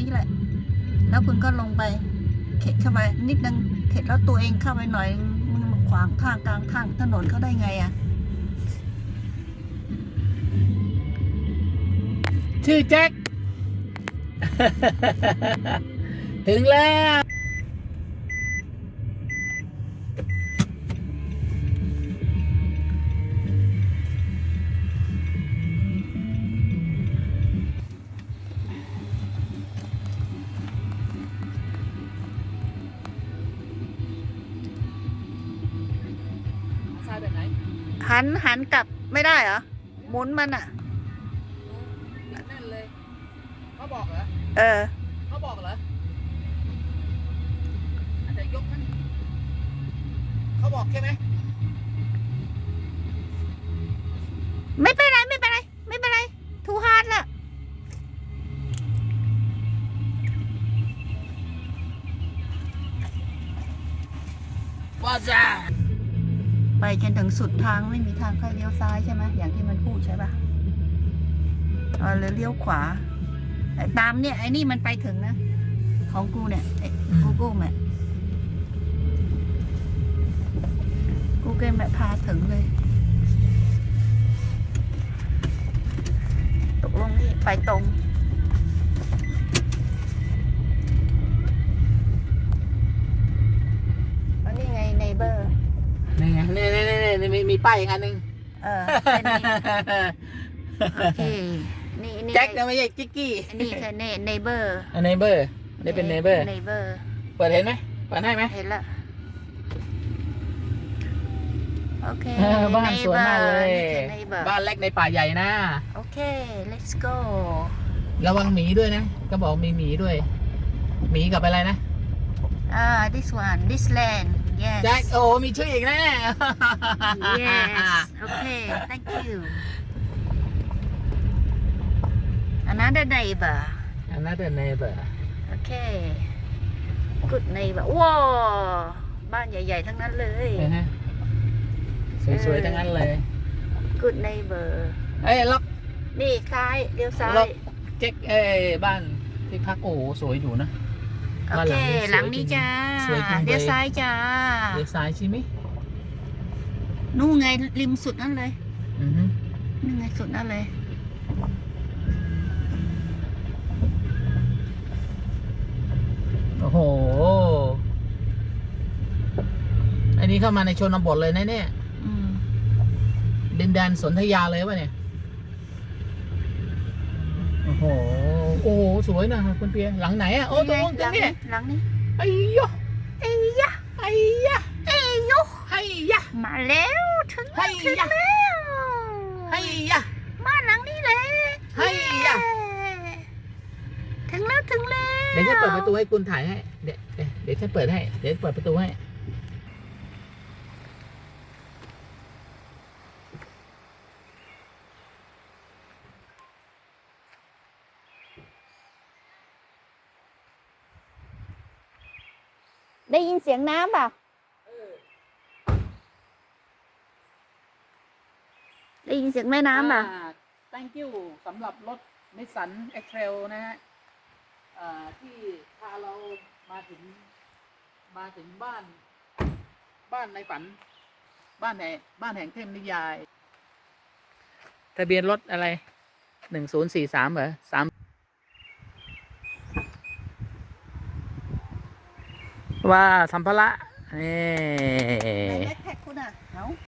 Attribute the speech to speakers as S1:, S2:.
S1: แหละแล้วคุณก็ลงไปเข็ดเข้าไปนิดนึงเข็ดแล้วตัวเองเข้าไปหน่อยมึงมาขวางทางกลางทางถนนเขาได้ไงอ่ะ
S2: ชื่อแจ็ค ถึงแล้วซ้ายแบบไหน
S1: หันกลับไม่ได้เหรอหมุนมันอ่ะ
S2: แน่นเลยเขาบอกเหรอเขาบอกเหรออาจจะยกมันเขาบอกใช่ไหม
S1: ไม่เป็นไรไม่เป็นไรไม่เป็นไรทูฮาร์ดละ
S2: ว่าจ้า
S1: ไปจนถึงสุดทางไม่มีทางค่อยเลี้ยวซ้ายใช่ไหมอย่างที่มันพูดใช่ปะเลยเลี้ยวขวาตามเนี่ยไอ้นี่มันไปถึงนะของกูเนี่ยGoogle Map Google Map พาถึงเลยตกลงนี่ไปตรงแล้วนี่ไง neighbor
S2: นี่ไงนี่มีป้ายอีกอันหนึ่ง
S1: แค่นี้โอเคนี่
S2: แจ็คนะไม่ใช่จิ๊กกี้
S1: นี่แค่ neighbor
S2: เนเบอร์นี่เป็นเนเบอร์
S1: neighbor
S2: เปิดเห็นไหมเปิดให้ไหม
S1: เห็นละโอเค
S2: บ้านสวยมากเลยบ้านเล็กในป่าใหญ่นะ
S1: โอเค let's go
S2: ระวังหมีด้วยนะก็บอกมีหมีด้วยหมีกับอะไรนะ
S1: this one this land yes
S2: แจ็คโอ้มีชื่ออีกนะ
S1: yes okay thank you another neighbor okay good neighbor ว้าวบ้านใหญ่ๆทั้งนั้นเลย
S2: สวยๆทั้งนั้นเลย
S1: good neighbor
S2: ล็อก
S1: นี่ซ้ายเลี้ยวซ้าย
S2: เจ๊กบ้านที่พักโอ้โหสวยอยู่นะ
S1: โอเคหลังนี้จ้าเลี้ยวซ้ายจ้า
S2: เลี้ยวซ้ายใช่ไหม
S1: นู่นไงริมสุดนั่นเลยนี่ไงสุดนั่นเลย
S2: โอ้โหอันนี้เข้ามาในชนบทเลยนะเนี่ยดินแดนสนธยาเลยวะเนี่ยโอ้โหสวยนะคุณเปียหลังไหนอ่ะโอ้ตรงนี้
S1: หลังนี้
S2: ไอ้ยะ
S1: ไอ้ยะ
S2: ไอ้ยะ
S1: ไอ้ยะ
S2: ไอ้ยะ
S1: มาแล้วถึงแล้ว
S2: ไอ้ยะ
S1: บ้านหลังนี้เลย
S2: ไอ้ยะ
S1: ถึงแล้ว
S2: เดี๋ยวฉันเปิดประตูให้คุณถ่ายให้เดี๋ยวฉันเปิดให้เดี๋ยวเปิดประตูให้
S1: ได้ยินเสียงน้ำเปล่าได้ยินเสียงแม่น้ำเปล่า
S2: thank you สำหรับรถ Nissan X-Trail นะฮะที่พาเรามาถึงบ้านในฝันบ้านแห่งเทพนิยายทะเบียนรถอะไร1043เหรอ3ว่าสัมภาระนี่
S1: แท็กคุณอ่ะ